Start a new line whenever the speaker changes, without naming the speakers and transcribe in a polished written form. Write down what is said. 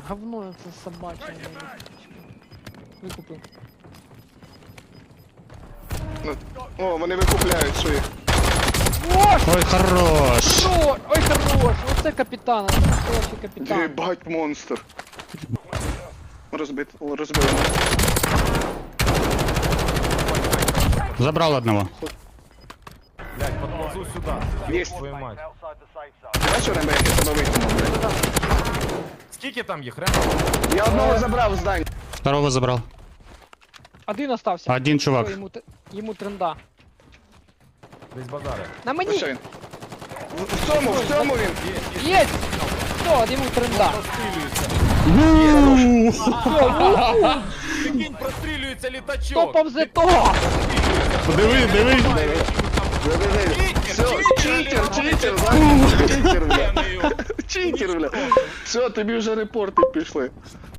Говно це собаче. Викупив.
О, вони викупляють свої.
Ой, хорош!
Ой, хорош! Оце капітан, це настоящий капітан.
Єбать монстр. Розбив.
Забрал одного.
Блядь, подползу сюда.
Есть.
Твою мать.
Бачиш, Рембо, як я тебе витягнув, блядь?
Скільки там їх, Рембо?
Я одного забрав в здання.
Второго забрал.
Один остався.
Один чувак.
Все, йому тренда.
Десь базари.
На
Ось
мені!
він. В цьому він.
Є! Все, йому тренда.
Прикинь, прострілюється
Хто
літачок.
повзе того?
Диви, диви.
Все, читер, читер, бля. Читер, бля. Все, тобі вже репорти пішли.